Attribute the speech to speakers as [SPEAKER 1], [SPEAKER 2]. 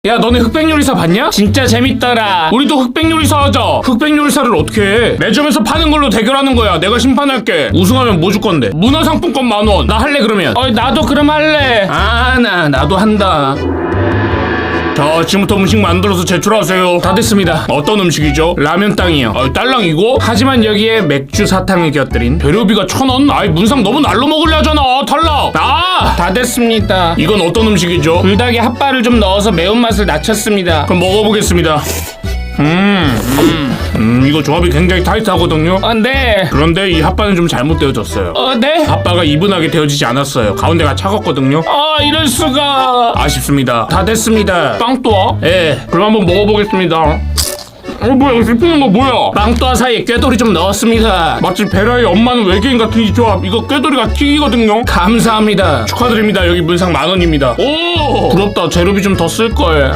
[SPEAKER 1] 야 너네 흑백 요리사 봤냐? 진짜 재밌더라. 우리도 흑백 요리사 하자. 흑백 요리사를 어떻게 해? 매점에서 파는 걸로 대결하는 거야. 내가 심판할게. 우승하면 뭐 줄 건데? 문화상품권 10,000원. 나 할래 그러면. 나도 그럼 할래. 나도 한다. 자, 지금부터 음식 만들어서 제출하세요. 다 됐습니다. 어떤 음식이죠? 라면 땅이요. 딸랑이고? 하지만 여기에 맥주 사탕을 곁들인 재료비가 1,000원? 아이 문상 너무 날로 먹으려 하잖아. 탈락. 다 됐습니다. 이건 어떤 음식이죠? 불닭에 핫바를 좀 넣어서 매운맛을 낮췄습니다. 그럼 먹어보겠습니다. 이거 조합이 굉장히 타이트하거든요. 네. 그런데 이 핫바는 좀 잘못 되어졌어요. 네? 핫바가 이분하게 되어지지 않았어요. 가운데가 차갑거든요. 이럴 수가. 아쉽습니다. 다 됐습니다. 빵또아? 예. 그럼 한번 먹어보겠습니다. 뭐야, 씹히는 거 뭐야? 빵또아 사이에 꾀돌이 좀 넣었습니다. 마치 베라의 엄마는 외계인 같은 이 조합. 이거 꾀돌이가 튀기거든요. 감사합니다. 축하드립니다. 여기 문상 10,000원입니다. 오! 부럽다. 재료비 좀 더 쓸걸.